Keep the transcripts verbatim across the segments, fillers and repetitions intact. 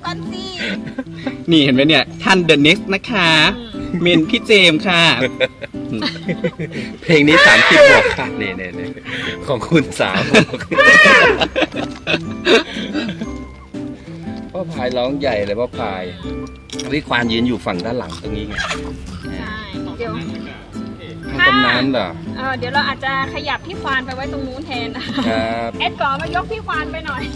ก่อนสินี่เห็นไหมเนี่ยท่านเดอะเน็กซ์นะคะเมนพี่เจมส์ค่ะเพลงนี้สามสิบบวกค่ะเนี่ยเนี่ยเนี่ยของคุณสาวพ่อพายร้องใหญ่เลยพ่อพายวิควานยืนอยู่ฝั่งด้านหลังตรงนี้ไงใช่เดี๋ยวทางตำนานเหรอเออเดี๋ยวเราอาจจะขยับพี่ควานไปไว้ตรงนู้นแทนนะครับ เอ็ดก่อนมายกพี่ควานไปหน่อย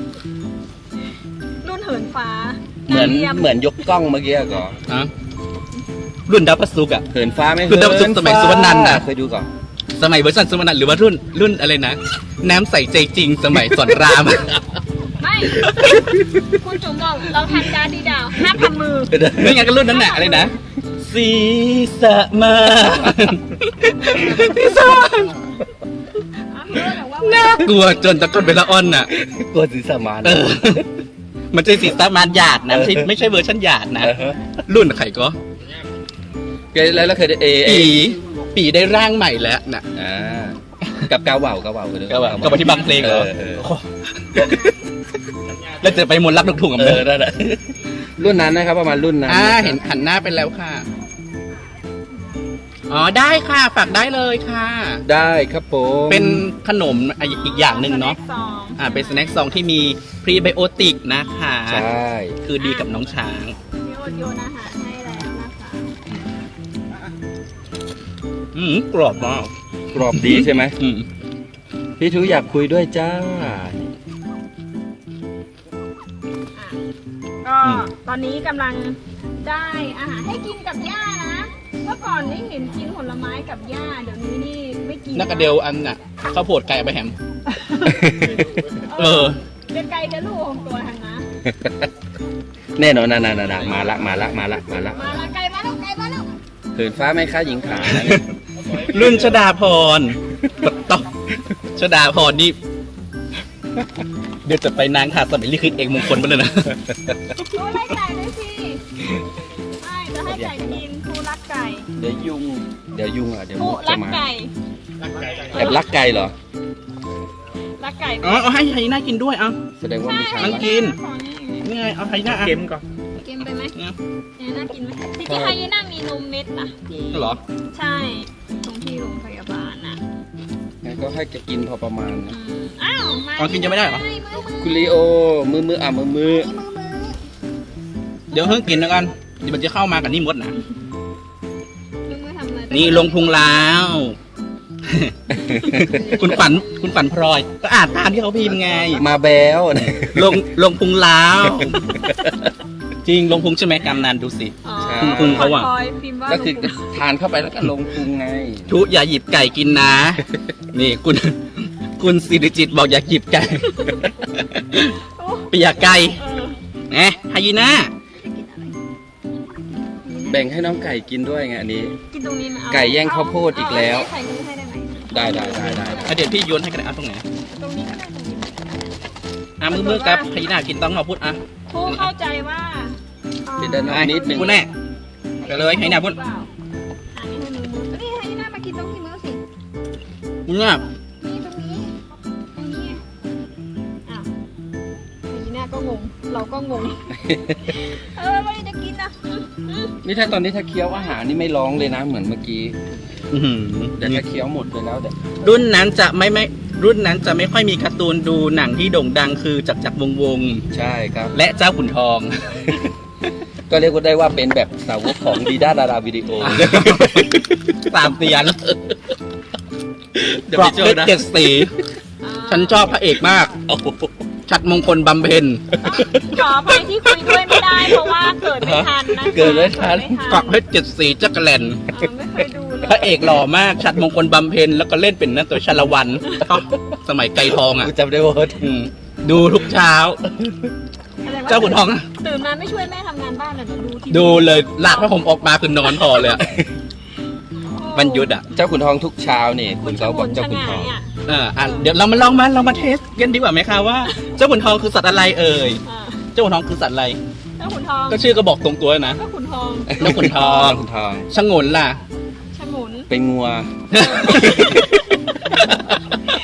รุ่นเหินฟ้าเหมือนดาวยี่ยเหมือนยกกล้องเมื่อกี้อะก่อนฮะรุ่นดาวพระศุกร์อะเหินฟ้าไหมคือดาวศุกร์สมัยสุวรรณันท์อะเคยดูก่อนสมัยเวอร์ชันสมนันหรือว่ารุ่นรุ่นอะไรนะ น้ำใสใจจริงสมัยสอนรามไม่ คุณจุ๋มบอกเราทันการดีดาวห้ามทำมือไม่งั้นก็รุ่นนั้นแหละอะไรนะสีสะมาสีสะมาน่ากลัวจนตะก้นเป็นละอ่อนน่ะกลัวสีสมานเออ มันจะสีสะมานหยาดนะไม่ใช่ไม่ใช่เวอร์ชันหยาดนะเออฮะรุ่นใครก็เคยแล้วเราเคยได้เอเอปีปีได้ร่างใหม่แล้วน่ะอ่ากับกาวว่าวกาวว่าวก็ว่าก็มาที่บางเพลงเหรอเออโอ้แล้วจะไปมนต์รักลูกทุ่งกับเอมึงอได้ได้รุ่นนั้นนะครับประมาณรุ่นนั้นอ่าเห็นหันหน้าไปแล้วค่ะ อ๋อได้ค่ะฝากได้เลยค่ะได้ครับผมเป็นขนมอีกอย่างหนึ่งเนาะสองอ่าเป็นสแน็คซองที่มีพรีไบโอติกนะคะใช่คือดีกับน้องช้างโยนโยนอาหารให้แล้วนะคะอืมกรอบมากกรอบดีใช่ไหมอืมพี่ทูอยากคุยด้วยจ้าก็ตอนนี้กำลังได้อาหารให้กินกับย่านะเมื่อก่อนนี่เห็นกินผลไม้กับย่าเดี๋ยวนี้นี่ไม่กินนักกระเดลอันน่ะข้าวโพดไก่เอาไปแฮม เออเด็กไก่จะลูกของตัวทางนะแน่นอนนะนะนะมาละมาละมาละมาละมาละไก่มาแล้วไก่มาแล้วเหินฟ้าไม่ค่าหญิงขารุ่นชดาพรต้องชดาพรนี่ เดี๋ยวจะไปนางขาดสมัยลิขิตเอกมงคลไปเลยนะดูไล่ไก่เลยสิใช่จะให้ไก่กินครูรักไก่เดี๋ยวยุงเดี๋ยวยุงอ่ะเดี๋ยวครูมุกรัจะกมาไก่แอบรักไก่เหรอรักไก่อ๋อเอาให้ไฮน่ากินด้วยเอาแสดงว่ามีทางมันรักกินของนี่นี่ไงเอาไฮน่าอ่ะเค็มก่อนเค็มไปไหมเนี่ยเนี่ยน่ากินไหมที่ที่ไฮยีน่ามีนมเม็ดนะที่เหรอใช่ตรงที่โรงพยาบาลน่ะงั้นก็ให้แกกินพอประมาณนะอืมอ้าวมาอ๋อกินยังไม่ได้เหรอมือมือคุณลีโอ มือมืออ่ะมือมือมือมือเดี๋ยวเพิ่งกินแล้วกันเดี๋ยวมันจะเข้ามากับนี่มดนะมือมือทำอะไรนี่ลงพุงแล้ว คุณฝันคุณฝันพลอย ก็อ่านตามที่เขาพิมพ์ไงมาแบลลงลงพุงแล้ว จริงลงพุงใช่ไหมกำนันดูสิอ๋อพุงพุงเขาอะคอยพิมพ์ว่าก็คือลงพุงทานเข้าไปแล้วก็ลงพุงไงทุอย่าหยิบไก่กินนะ นี่คุณคุณสิริจิตบอกอย่าหยิบไก่โอ้เปียกไก่เออแหมไฮยีน่าแบ่งให้น้องไก่กินด้วยไงอันนี้กินตรงนี้นะเอาไก่แย่งข้าวโพดอีกแล้วเาใส่มือให้ได้ไหมได้ได้ได้ได้เดี๋ยวพี่โยนให้กันเอาตรงไหนตรงนี้ก็ได้ตรงนี้อ่ะมือมือกับไฮยีน่ากินต้องมาพูดอ่ะครูเข้าใจว่าอ่าเดี๋ยวด้านนอกนิดนึงพูดแน่ไปเลยไฮยีน่าพูดเปล่าอันนี้ให้มือมือนี่ให้ยีน่ามากินตรงที่มือสิมึงอ่ะนี่ตรงนี้ตรงนี้อ้าวยีน่าก็งง เราก็งง เออไม่ได้จะกินนะอืมอืมนี่ถ้าตอนนี้ถ้าเคี้ยวอาหารนี่ไม่ร้องเลยนะเหมือนเมื่อกี้อื้อหือแต่ถ้าเคี้ยวหมดไปแล้วเดี๋ยวรุ่นนั้นจะไม่ไม่รุ่นนั้นจะไม่ค่อยมีการ์ตูนดูหนังที่โด่งดังคือจักรจักรวงศ์วงศ์ใช่ครับและเจ้าขุนทองก็เรียกว่าได้ว่าเป็นแบบสาวกของดีด้าดาราวิดีโอสามเตียนเดี๋ยวกรอไปบเจเพอชรนะเจ็ดสีอ่าฉันชอบพระเอกมากโอ้โหชัดมงคลบำเพ็ญขออภัยที่คุยด้วยไม่ได้เพราะว่าเกิดไม่ทันนะคะเกิดไม่ทันกรอบเพชรเจ็ดสีจักรแลนเออไม่เคยดูเลยพระเอกหล่อมาก ชัดมงคลบำเพ็ญแล้วก็เล่นเป็นนั่นตัวชาละวันสมัยไก่ทองอ่ะกูจำได้ว่าอืมดูทุกเช้าอะไรวะเจ้าขุนทองอะตื่นมาไม่ช่วยแม่ทำงานบ้านเลยเดี๋ยวดูทีวีดูเลยลากพระผมออกมาคือนอนพอเลยอะวันหยุดอ่ะเจ้าขุนทองทุกเช้านี่คุณเขาบอกเจ้าขุนทองอ่ะอ่าอ่ะเดี๋ยวเรามาลองมาเรามาเทสกันดีกว่าไหมคะว่า เจ้าขุนทองคือสัตว์อะไรเอ่ยอ่าเจ้าขุนทองคือสัตว์อะไรเจ้าขุนทองก็ชื่อก็บอกตรงตัวนะเจ้าขุนทองเจ้าขุนทองขุนทองชงนล่ะฉมุนเป็นงัว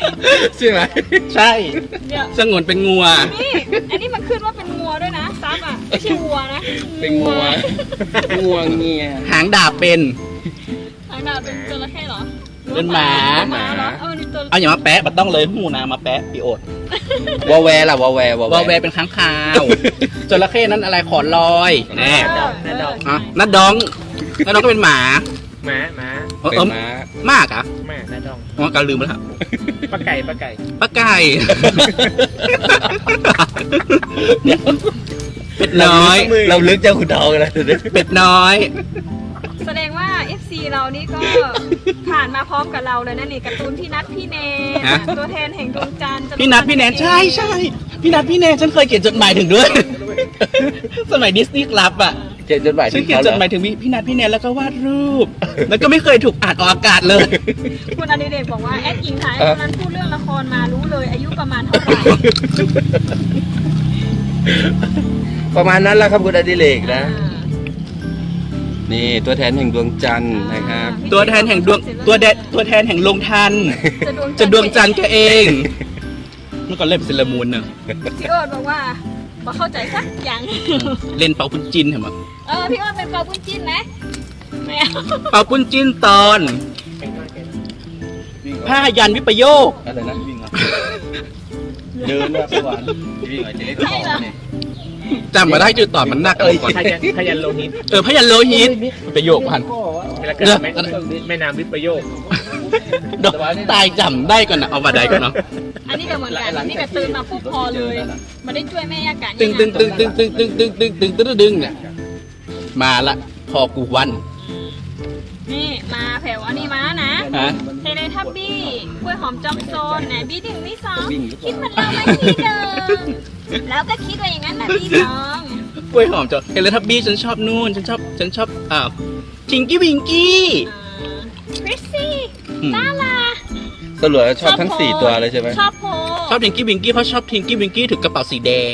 ใช่ไหมใช่เดี๋ยวสงวนเป็นงัวนี่อันนี้มันขึ้นว่าเป็นงัวด้วยนะซับอ่ะไม่ใช่วัวนะเป็นงัวงัวเงียหางดาบเป็นหางดาบเป็นจระเข้เหรอเป็นหมาหมาเหรอเออนี่ตัวเอาอย่ามาแปะมันต้องเลยหูนามาแปะพี่โอดวอแวร์ล่ะวอแวร์วอวอลแวร์เป็นค้างคาวจระเข้นั้นอะไรขอนลอยแน่เออนัดดอกอ่ะนัดดองนัดดองก็เป็นหมาหมาหมาเออเป็นเออม้ามากอ่ะหมานัดดองอ๋อการลืมแล้วครับปลาไก่ปลาไก่ป้าไก่เป็ดน้อยเราลึกเจ้าขุนทองกันแล้วเดี๋ยวนี้เป็ดน้อยแสดงว่า เอฟ ซี เรานี่ก็ผ่านมาพร้อมกับเราเลยนะนี่การ์ตูนพี่นัทพี่แนนฮะตัวแทนแห่งดวงจันทร์จะพี่นัทพี่แนนใช่ใช่พี่นัทพี่แนนฉันเคยเขียนจดหมายถึงด้วย สมัยดิสนีย์คลับอ่ะเขียนจดหมายฉัถึนงเขียนเขาจเหรดอหมายถึงพี่นัทพี่แนนแล้วก็วาดรูป แล้วก็ไม่เคยถูกอ่านออกอากาศเลยคุณอดิเรกบอกว่าแอดหญิงถ่ายตอนนั้นพูดเรื่องละครมารู้เลยอายุประมาณเท่าไหร่ประมาณนั้นแหละครับคุณอดิเรกนะอ่านี่ตัวแทนแห่งดวงจันทร์นะครับตัวแทนแห่งดวงตัวแดตัวแทนแห่งลงทันจะดวงจะดวงจันทร์แกเองเมื่อก่อนเล่นเป็นเซเลอรามูนเนอะพี่โอ๊ตบอกว่าบอกเข้าใจสักอย่างเล่นเป่าปุ้นจินเห็นไหมเออพี่โอ๊ตเป็นเปาปุ้นจิ้นไหมไม่เอาเป่าปุ้นจินตอนผ้ายันวิปโยคอะไรนะวิ่งเดินว่าสวรรค์วิ่งอะไรจะเล็กใช่เหรอจำมาได้จุดต่อมันหนักเอ้ยขยันขยันโลหิตเออพยันโลหิตประโยคพันเวลาเกิดแม่แม่น้ำวิปโยคดอกตายจำได้ก่อนนะเอามาได้ก่อนเนาะอันนี้ก็เหมือนกันนี่ก็ตื่นมาปุ๊บพอเลยมาได้ช่วยแม่ยากาศตึงตึงตึงตึงตึงตึงตึงตึงตึงตึงตึงเนี่ยมาละพอกูวันนี่มาแผ่วอันนี้มานะฮะเทเลทับบี้กล้วยหอมจอมโซนไหนบี้หนึ่งบี้สองคิดเหมือนเราไหมพี่เดิมแล้วก็คิดว่าอย่างนั้นนะพี่น้องกล้วยหอมจอเฮเลทับบี้ฉันชอบนู่นฉันชอบฉันชอบอ่าวทิงกี้วิงกี้คริสซี่อืมลาลาสรุปแล้วชอบทั้งสี่ตัวเลยใช่ไหมชอบโพชอบทิงกี้วิงกี้เพราะชอบทิงกี้วิงกี้ถือกระเป๋าสีแดง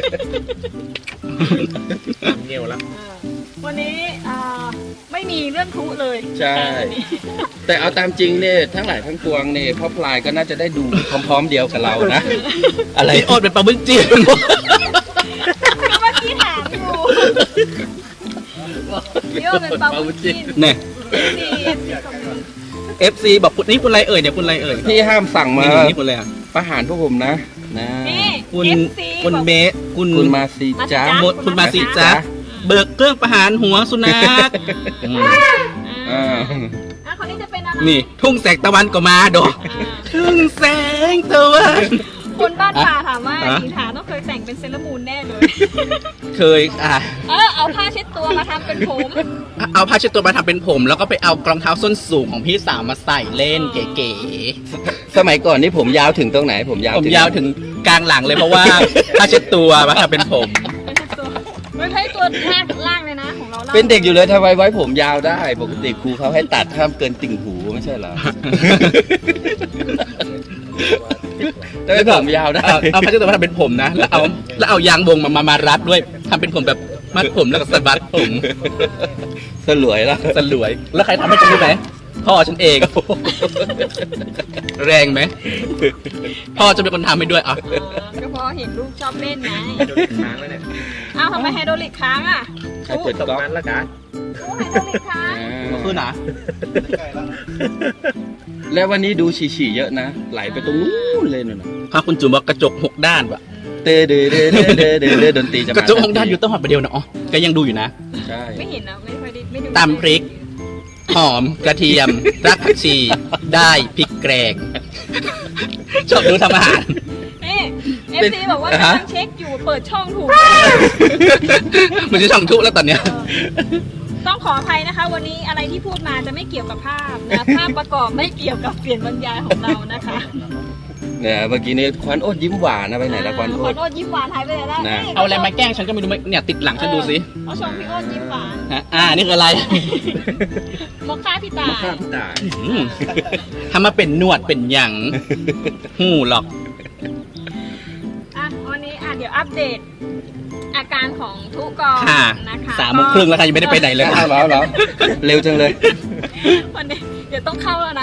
เงียวแล้ววันนี้อ่าไม่มีเรื่องทุเลยใช่ แต่เอาตามจริงเนี่ยทั้งหลายทั้งปวงเนี่ยพ่อพลายก็น่าจะได้ดูพร้อมๆเดียวกับเรานะ อะไรไอโอดเป็นปลาบึ้งจีนก็เมื่อกี้ถามอยู่พี่โอเป็นปลาบุญจินเนี่ยดีดีคอมเมนต์เอฟซีบอกคุณนี่คุณอะไรเอ่ยเนี่ยคุณอะไรเอ่ยพี่ห้ามสั่งมานี่นี่คุณอะไรอ่ะประหารพวกผมนะนะนี่คุณเอฟซีคุณบอกเบสคุณคุณมาซีจ้าหมดคุณมาสิจ๊ะเบิกเครื่องประหารหัวสุนัขอืมอ่าอ่าอ่ะคนนี้จะเป็นอะไรนี่ทุ่งแสงตะวันก็มาดอกอ่าทุ่งแสงตะวันคนบ้านป่าถามว่าฮะหญิงถาต้องเคยแต่งเป็นเซเลอรามูนแน่เลยเคยอ่ะเออเอาผ้าเช็ดตัวมาทำเป็นผมเอาผ้าเช็ดตัวมาทำเป็นผม แล้วก็ไปเอารองเท้าส้นสูงของพี่สาวมาใส่เล่นเก๋สมัยก่อนนี่ผมยาวถึงตรงไหน ผมยาวๆผมยาวถึงกลางหลังเลยเพราะว่าผ้าเช็ดตัวมาทำเป็นผมเป็นเช็ดตัวไม่ใช่ตัวล่างล่างเลยนะของเราล่างเป็นเด็กอยู่เลยทำไมไว้ผมยาวได้ ปกติครูเขาให้ตัดห้ามเกินติ่งหูไม่ใช่เหรอ แต่ว่าผมยาวได้เอาเอาผ้าเช็ดตัวมาทำเป็นผมนะ แล้วเอาแล้วเอายางวงมามามารัดด้วยทำเป็นผมแบบมัดผมแล้วก็สะบัดผมสลวยแล้วสลวย แล้วใครทำให้ฉันรู้ไหมพ่อฉันเอง แรงไหมพ่อจะเป็นคนทำให้ด้วยอ่ะเออก็เพราะเห็นลูกชอบเล่นไงโดนค้างแล้วเนี่ยอ้าวทำไมไฮโดรลิกค้างอ่ะใครเปิดตกก๊อกมันแล้วกันโอ้ไฮโดรลิกค้างก็คือนะแล้ววันนี้ดูฉี่ๆเยอะนะ ไหลไปตรงนู้นเลยนู่นน่ะพาคุณจุ๋มบอกกระจกหกด้านวะเตเดเดเดเดเดเดดนตรีจะกมาระจกหกด้านอยู่ต้องหัดประเดียวนะอ๋อแกยังดูอยู่นะใช่ไม่เห็นนะไม่ค่อยได้ไม่ดูตำพริก หอมกระเทียมรากผักชีได้พริกแกงชอบดูทำอาหารนี่เอฟซีบอกว่าฮะกำลังเช็คอยู่เปิดช่องถูกมันจะช่องทุกแล้วตอนเนี้ยต้องขออภัยนะคะ วันนี้อะไรที่พูดมาจะไม่เกี่ยวกับภาพนะภาพประกอบไม่เกี่ยวกับเปลี่ยนบรรยายของเรานะคะเนี่ยเมื่อกี้นี้ควันโอ๊ตยิ้มหวานนะไปไหนแล้วควันขโอ๊อตโทษยิ้มหวานหายไปไหนแล้วนะนี่เอาอะไรมาแกล้งฉันก็ไม่รู้ไหมเนี่ยติดหลังฉันดูสิเขาชมพี่โอ้นยิ้มหวานฮะอ่านี่คืออะไรมอคค่าพี่ตายข้าพี่ตายอืมทำมาเป็นหนวดเป็นหยังหูหรอกอ่ะวันนี้อ่ะเดี๋ยวอัปเดต อาการของทุกกองค่ะนะคะสามโมงครึ่งแล้วค่ะยังไม่ได้ไปไหนเลยอ้าวเหรอเหรอเร็วจังเลยวันนี้เดี๋ยวต้องเข้าแล้วนะ ทั้ง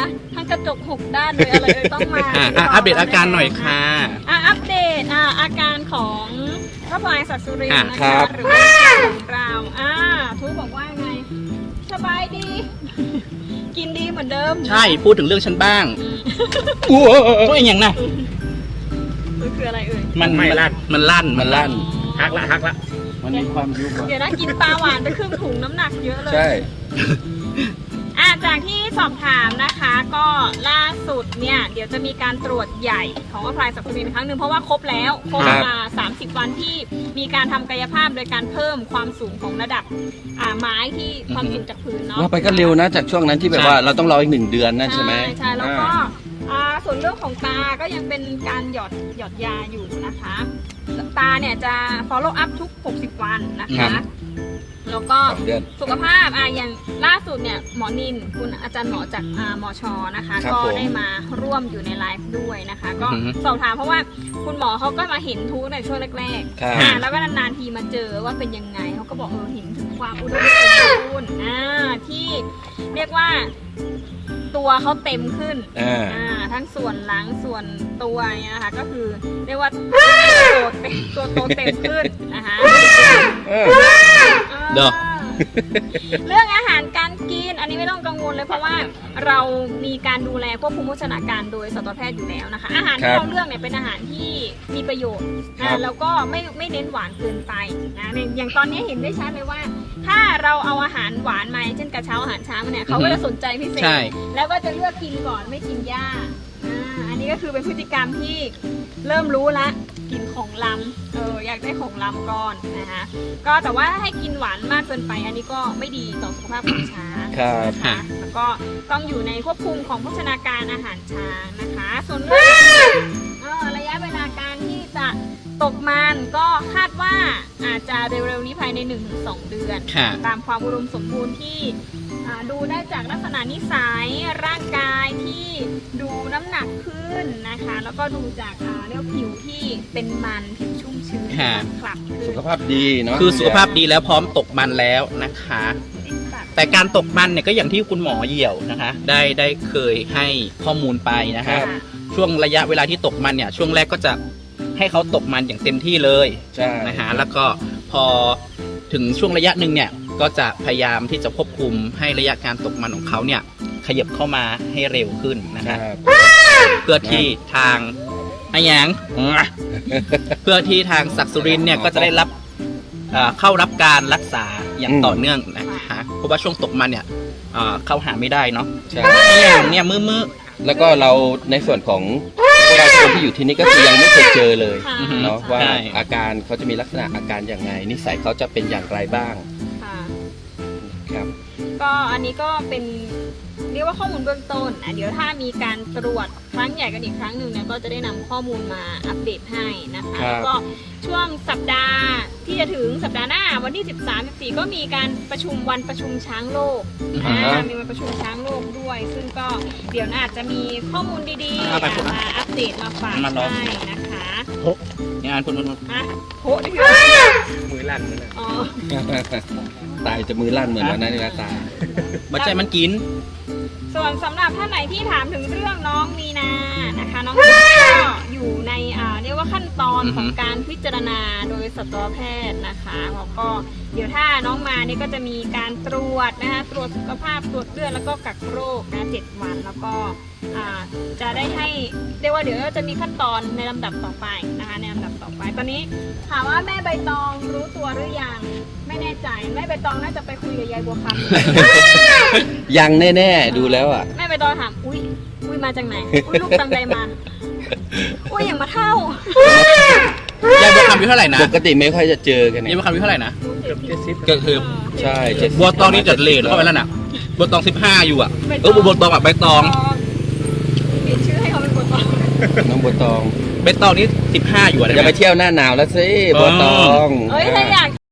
กระจกหกด้านเลยอะไรเลยต้องมาอ่ะอ่ะอัปเดตอาการหน่อยค่ะอ่ะอัปเดตอ่ะอาการของพระพลายศักดิ์สุรินทอ่ะร์นะครัคะบหรือว่าของเราอ่าทุกบอกว่าไงสบายดี กินดีเหมือนเดิมใช่พูดถึงเรื่องฉันบ้างอืมตัวเองอย่างน่ะมันคืออะไรเอ่ยมันไม่ลั่นมันลั่นมันลั่นฮักละฮักละมันมีความยุบอะเดี๋ยวนะกินปลาหวานไปครึ่งถุงน้ำหนักเยอะเลยใช่อ่ะจากที่สอบถามนะคะ ก็ล่าสุดเนี่ยเดี๋ยวจะมีการตรวจใหญ่ของพระพลายศักดิ์สุรินทร์ครั้งหนึ่งเพราะว่าครบแล้วครบครับมาสามสิบวันที่มีการทำกายภาพโดยการเพิ่มความสูงของระดับอ่าไม้ที่ความสูงจากพื้นเนาะว่าไปก็เร็วนะจากช่วงนั้นที่แบบว่าเราต้องรออีกหนึ่งเดือนนั่นใช่ไหมใช่แล้วก็อ่าอ่าส่วนเรื่องของตาก็ยังเป็นการหยอดหยอดยาอยู่นะคะ ตาเนี่ยจะ follow up ทุกหกสิบวันนะคะ แล้วก็สองเดือนสุขภาพอ่ะอย่างล่าสุดเนี่ยหมอนินคุณอาจารย์หมอจากอ่ามอชอนะคะครับก็ผมได้มาร่วมอยู่ในไลฟ์ด้วยนะคะ ก็อือฮึสอบถามเพราะว่าคุณหมอเขาก็มาเห็นทุกในช่วงแรกครับๆอ่าแล้วก็นานๆทีมาเจอว่าเป็นยังไงเขาก็บอกเออเห็นถึงความอุดมสมบูรณ์อ่าที่เรียกว่าตัวเขาเต็มขึ้นอ่าอ่าทั้งส่วนหลังส่วนตัวเนี่ยนะคะก็คือเรียกว่าตัวเต็มตัวโตเต็มขึ้นนะคะเออเด้อเรื่องอาหารการกินอันนี้ไม่ต้องกังวลเลยเพราะว่าเรามีการดูแลควบคุมโภชนาการโดยสัตวแพทย์อยู่แล้วนะคะ อาหารที่เราเลือกเนี่ยเป็นอาหารที่มีประโยชน์นะแล้วก็ไม่ไม่เน้นหวานเกินไปนะอย่างตอนนี้เห็นได้ชัดเลยว่า ถ้าเราเอาอาหารหวานมาเช่นกระเช้าอาหารเช้ามาเนี่ยเขาก็จะสนใจพิเศษใช่แล้วก็จะเลือกกินก่อนไม่กินหญ้าอ่าอันนี้ก็คือเป็นพฤติกรรมที่เริ่มรู้ละกินของล้ำเอออยากได้ของล้ำก่อนนะคะก็แต่ว่าให้กินหวานมากเกินไป อันนี้ก็ไม่ดีต่อสุขภาพของช้างครับนะคะแล้วก็ต้องอยู่ในควบคุมของโภชนาการอาหารช้างนะคะ ส่วนเรื่องเอ่อระยะเวลาการที่จะตกมันก็คาดว่าอาจจะเร็วๆนี้ภายใน หนึ่งถึงสอง เดือนค่ะตามความอุดมสมบูรณ์ที่อ่าดูได้จากลักษณะนิสัยร่างกายที่ดูน้ำหนักขึ้นนะคะ แล้วก็ดูจากอ่าเรียกว่าผิวที่เป็นมันผิวชุ่มชื้นค่ะมันขลับขึ้นสุขภาพดีเนาะคือสุขภาพดีแล้วพร้อมตกมันแล้วนะคะ แต่การตกมันเนี่ยก็อย่างที่คุณหมอเหี่ยวนะคะ ได้ได้เคยให้ข้อมูลไปนะครัคะบช่วงระยะเวลาที่ตกมันเนี่ยช่วงแรกก็จะให้เขาตกมันอย่างเต็มที่เลยใช่นะฮะแล้วก็พอถึงช่วงระยะหนึ่งเนี่ยก็จะพยายามที่จะควบคุมให้ระยะการตกมันของเขาเนี่ยขยับเข้ามาให้เร็วขึ้นนะครัฮะบเพื่อที่ทางอะหยังเพื่อที่ทางศักดิ์สุรินทร์เนี่ยก็จะได้รับเอ่อเข้ารับการรักษาอย่างอืมต่อเนื่องนะคะเพราะว่าช่วงตกมันเนี่ยเอ่อเข้าหาไม่ได้เนาะใช่เนี่ยเนี่ยมือมือแล้วก็เราในส่วนของพวกเราคนที่อยู่ที่นี่ก็คือยังไม่เคยเจอเลยค่ะอือฮึเนาะว่าใช่อาการเขาจะมีลักษณะอาการอย่างไง นิสัยเขาจะเป็นอย่างไรบ้างค่ะครับก็อันนี้ก็เป็นเรียกว่าข้อมูลเบื้องต้นอ่ะเดี๋ยวถ้ามีการตรวจครั้งใหญ่กันอีกครั้งหนึ่งเนี่ยก็จะได้นำข้อมูลมาอัปเดตให้นะคะครับแล้วก็ช่วงสัปดาห์ที่จะถึงสัปดาห์หน้าวันที่ สิบสาม สิบสี่ ก็มีการประชุมวันประชุมช้างโลกอือฮึอ่ามีวันประชุมช้างโลกด้วย ซึ่งก็เดี๋ยวน่าจะมีข้อมูลดีๆเอาไปพูดมาอัปเดตมาฝากมาลองให้นะคะเนี่ยอ่านพูดพูดพูดอ่ะโหนี่คือมือลั่นมือลั่นอ๋อตายจะมือลั่นเหมือนวันนั้นนี่นะตายบัจใจมันกินส่วนสำหรับท่านไหนที่ถามถึงเรื่องน้องมีนานะคะ น้องมีนาก็อยู่ในอ่าเรียกว่าขั้นตอนอือฮึของการพิจารณาโดยสัตวแพทย์นะคะแล้วก็เดี๋ยวถ้าน้องมาเนี่ยก็จะมีการตรวจนะคะตรวจสุขภาพตรวจเลือดแล้วก็กักโรคนะเจ็ดวันแล้วก็อ่าจะได้ให้เรียกว่าเดี๋ยวจะมีขั้นตอนในลำดับต่อไปนะคะในลำดับต่อไป ตอนนี้ถามว่าแม่ใบตองรู้ตัวหรือยังไม่แน่ใจแม่ใบตองน่าจะไปคุยกับยายบัวคำยังแน่ๆดูแล้วอ่ะแม่ไปตอนถาม อุ้ย อุ้ยมาจากไหน อุ้ยลูกตังใดมา อุ้ยอย่างมาเท่ายายบัวคำอายุเท่าไหร่นะปกติไม่ค่อยจะเจอกันยายเนี่ยบัวคำอายุเท่าไหร่นะเกือบเจ็ดสิบก็คือใช่เจ็ดสิบบัวตองนี่จัดเลทเข้าไปแล้วน่ะบัวตองสิบห้าอยู่อ่ะเออบัวตองแบบใบตองเปลี่ยนชื่อให้เขาเป็นบัวตองน้องบัวตองใบตองนี่สิบห้าอยู่อ่ะอย่าไปเที่ยวหน้าหนาวแล้วสิบัวตองเอ้ยถ้าอยาก